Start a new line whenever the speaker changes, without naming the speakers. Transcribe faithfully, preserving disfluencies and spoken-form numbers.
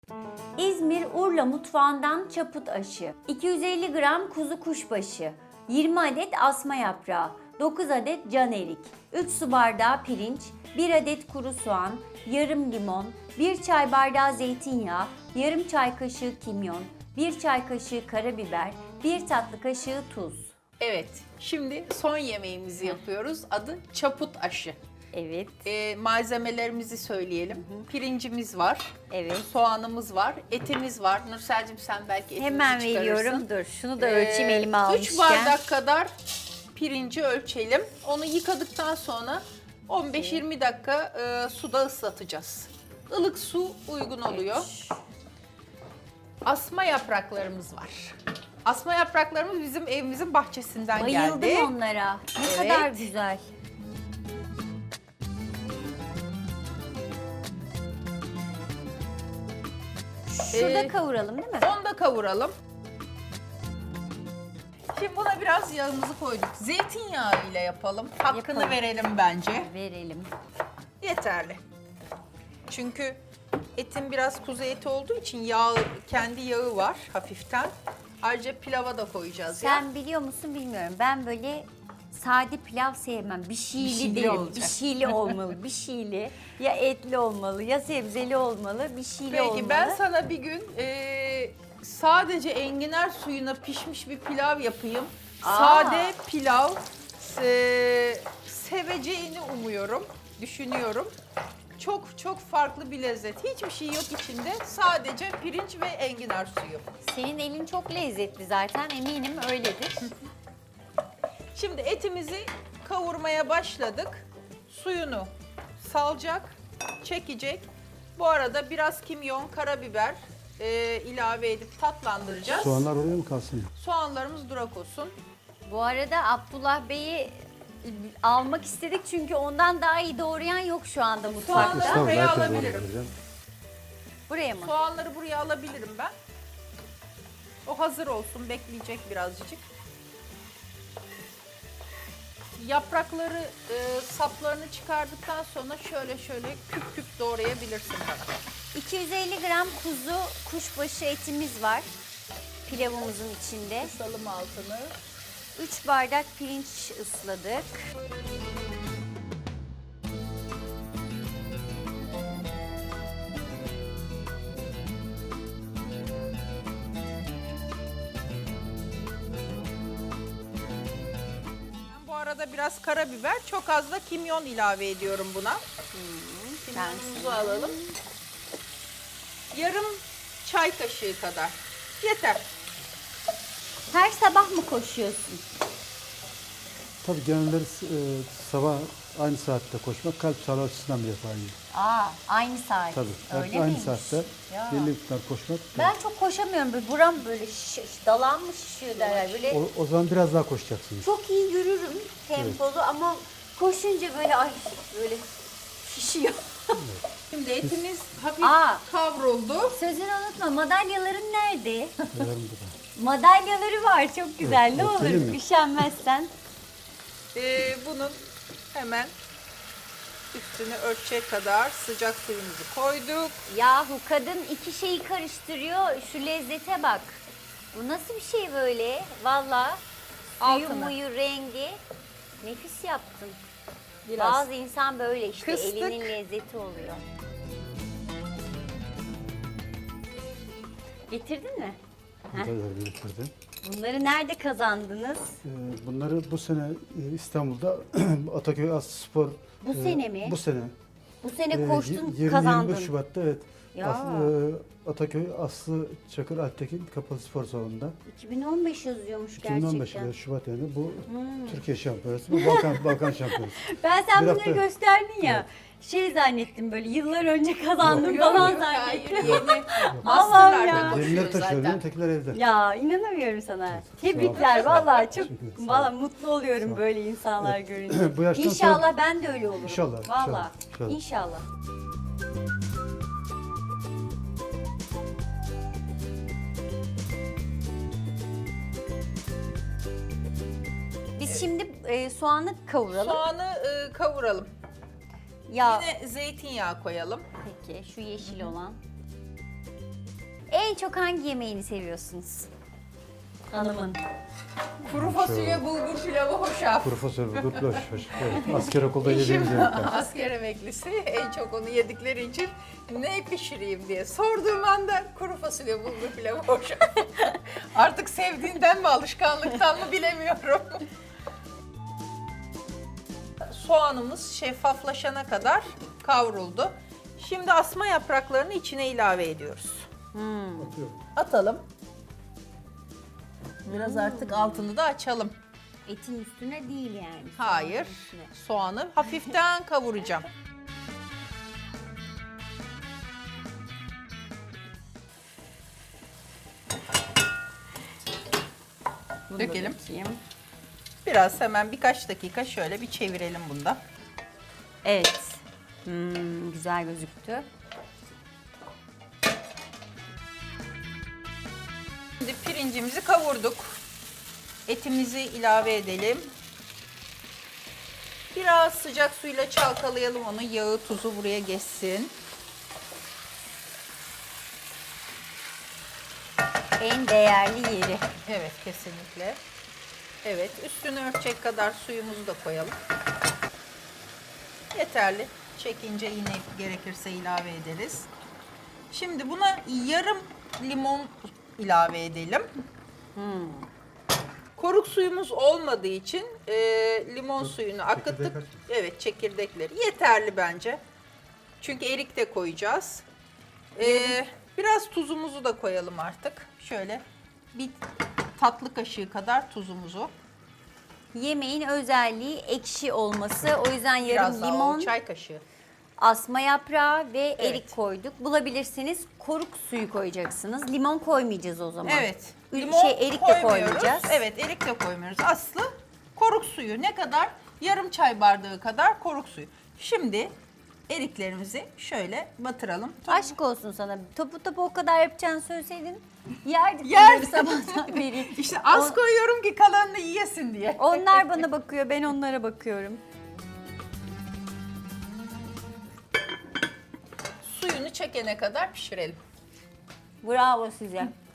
İzmir Urla mutfağından çaput aşı, iki yüz elli gram kuzu kuşbaşı, yirmi adet asma yaprağı, dokuz adet can erik, üç su bardağı pirinç, bir adet kuru soğan, yarım limon, bir çay bardağı zeytinyağı, yarım çay kaşığı kimyon, bir çay kaşığı karabiber, bir tatlı kaşığı tuz.
Evet, şimdi son yemeğimizi yapıyoruz. Adı çaput aşı.
Evet.
Ee, malzemelerimizi söyleyelim. Pirincimiz var.
Evet.
Soğanımız var. Etimiz var. Nursel'cim sen belki etimizi
Hemen
çıkarırsın.
veriyorum. Dur şunu da ölçeyim
Ee,
elime almışken.
üç bardak kadar pirinci ölçelim. Onu yıkadıktan sonra on beş yirmi dakika e, suda ıslatacağız. Ilık su uygun oluyor. Asma yapraklarımız var. Asma yapraklarımız bizim evimizin bahçesinden
Bayıldım
geldi.
onlara. Ne
Evet.
kadar güzel. Şurada
Ee,
kavuralım değil mi?
Onu da kavuralım. Şimdi buna biraz yağımızı koyduk. Zeytinyağı ile yapalım. Hakkını
Yapalım.
verelim bence.
Verelim.
Yeterli. Çünkü etin biraz kuzu eti olduğu için yağ, kendi yağı var hafiften. Ayrıca pilava da koyacağız ya.
Sen biliyor musun bilmiyorum. Ben böyle sade pilav sevmem. Bir şeyli,
Bir şeyli
derim.
olacak.
Bir şeyli olmalı. Bir şeyli. Ya etli olmalı ya sebzeli olmalı. Bir şeyli
Peki
olmalı.
ben sana bir gün e, sadece enginar suyuna pişmiş bir pilav yapayım.
Aa.
Sade pilav e, seveceğini umuyorum, düşünüyorum. Çok çok farklı bir lezzet. Hiçbir şey yok içinde. Sadece pirinç ve enginar suyu.
Senin elin çok lezzetli zaten. Eminim öyledir.
Şimdi etimizi kavurmaya başladık. Suyunu salacak, çekecek. Bu arada biraz kimyon, karabiber e, ilave edip tatlandıracağız.
Soğanlar oraya mı kalsın?
Soğanlarımız durak olsun.
Bu arada Abdullah Bey'i almak istedik çünkü ondan daha iyi doğrayan yok şu anda mutfakta.
Soğanları
Tamam,
buraya
herkes
alabilirim.
oraya vereceğim.
Buraya mı?
Soğanları buraya alabilirim ben. O hazır olsun, bekleyecek birazcık. Yaprakları, e, saplarını çıkardıktan sonra şöyle şöyle küp küp doğrayabilirsin bana.
iki yüz elli gram kuzu kuşbaşı etimiz var pilavımızın içinde.
Kısalım altını.
üç bardak pirinç ısladık.
Ben bu arada biraz karabiber, çok az da kimyon ilave ediyorum buna. Kimyonumuzu alalım. Yarım çay kaşığı kadar. Yeter.
Her sabah mı koşuyorsun?
Tabii genelleri e, sabah aynı saatte koşmak kalp sağlığı açısından bir defa iyi.
Aa, aynı saat.
Tabii.
Öyle
Kalp aynı
miymiş?
saatte
Ya.
belli miktar koşmak.
Ben çok koşamıyorum. Böyle buram böyle şiş, dalağım mı şişiyor derler. Böyle
O, o zaman biraz daha koşacaksınız.
çok iyi yürürüm tempolu ama koşunca böyle ay böyle şişiyor.
Şimdi etimiz hafif
Aa.
kavruldu.
Sözünü unutma, madalyaların nerede?
Yanlarında da.
Madalyaları var çok güzel.
Evet,
Ne
evet,
olur
öyle mi?
üşenmezsen.
Ee, bunun hemen üstünü örtecek kadar sıcak suyumuzu koyduk.
Yahu kadın iki şeyi karıştırıyor. Şu lezzete bak. Bu nasıl bir şey böyle? Valla suyu
Altını.
muyu rengi nefis yaptın.
Biraz.
Bazı insan böyle işte
Kıstık.
elinin lezzeti oluyor. Getirdin mi?
Burada da biriktirdim.
Bunları nerede kazandınız?
E, bunları bu sene e, İstanbul'da Ataköy Aslı Spor.
Bu sene mi?
Bu sene.
Bu sene
E,
koştun,
yirmi yirmi
kazandın.
beş Şubat'ta evet.
Ya.
As- e, Ataköy Aslı Çakır Alptekin Kapalı Spor Salonu'nda.
iki bin on beş yazıyormuş
iki bin on beş
gerçekten.
evet, Şubat yani bu Türkiye şampiyonası, bu Balkan Balkan şampiyonası.
Ben sen
Bir
bunları
hafta-
gösterdin ya. Şey zannettim böyle yıllar önce kazandım falan
Yok,
zannettim.
hayır, yeni.
Allah'ım
Masterlarda
ya.
koşuyor
Yenileri taşıyor,
zaten.
ötekiler evde.
Ya inanamıyorum sana. Tebrikler vallahi çok
Teşekkür ederim. Sağ ol.
vallahi mutlu oluyorum böyle insanlar görünce.
Bu yaştan
İnşallah
sonra-
ben de öyle olurum.
İnşallah,
Vallahi.
inşallah,
İnşallah. Biz şimdi e, soğanı kavuralım.
Soğanı e, kavuralım.
Ya
Yine zeytinyağı koyalım.
peki şu yeşil olan. En çok hangi yemeğini seviyorsunuz? Hanımın.
Kuru fasulye bulgur pilavı hoşaf.
Kuru fasulye, gırtlaş. Evet, asker okulda
Eşim
yediğimiz yemekler.
asker emeklisi, en çok onu yedikleri için ne pişireyim diye sorduğum anda kuru fasulye bulgur pilavı hoşaf. Artık sevdiğinden mi alışkanlıktan mı bilemiyorum. Soğanımız şeffaflaşana kadar kavruldu. Şimdi asma yapraklarını içine ilave ediyoruz.
Atıyorum.
Atalım. Biraz artık altını da açalım.
Etin üstüne değil yani.
Hayır.
Üstüne.
Soğanı hafiften kavuracağım.
Bunu da
Dökelim.
dökeyim.
Biraz hemen birkaç dakika şöyle bir çevirelim bunda.
Evet. Hmm, güzel gözüktü.
Şimdi pirincimizi kavurduk. Etimizi ilave edelim. Biraz sıcak suyla çalkalayalım onu. Yağı, tuzu buraya geçsin.
En değerli yeri.
Evet, kesinlikle. Evet, üstünü örtecek kadar suyumuzu da koyalım. Yeterli. Çekince yine gerekirse ilave ederiz. Şimdi buna yarım limon ilave edelim. Koruk suyumuz olmadığı için e, limon suyunu akıttık.
çekirdek
Evet, çekirdekleri yeterli bence. Çünkü erik de koyacağız. E, biraz tuzumuzu da koyalım artık. Şöyle bir tatlı kaşığı kadar tuzumuzu.
Yemeğin özelliği ekşi olması. O yüzden yarım
Biraz daha
limon,
o çay kaşığı.
asma yaprağı ve
Evet.
erik koyduk. Bulabilirsiniz koruk suyu koyacaksınız. Limon koymayacağız o zaman.
Evet.
Ü-
Limon
şey, erik de
koymuyoruz.
koymayacağız.
Evet, erik de koymuyoruz. Aslı koruk suyu. Ne kadar? Yarım çay bardağı kadar koruk suyu. Şimdi eriklerimizi şöyle batıralım.
Aşk olsun sana. Topu topu o kadar yapacağını söyleseydin yerdik
Yerdim.
bunları sabahtan beri.
İşte az
O-
koyuyorum ki kalanını yiyesin diye.
Onlar bana bakıyor, ben onlara bakıyorum.
Suyunu çekene kadar pişirelim.
Bravo size.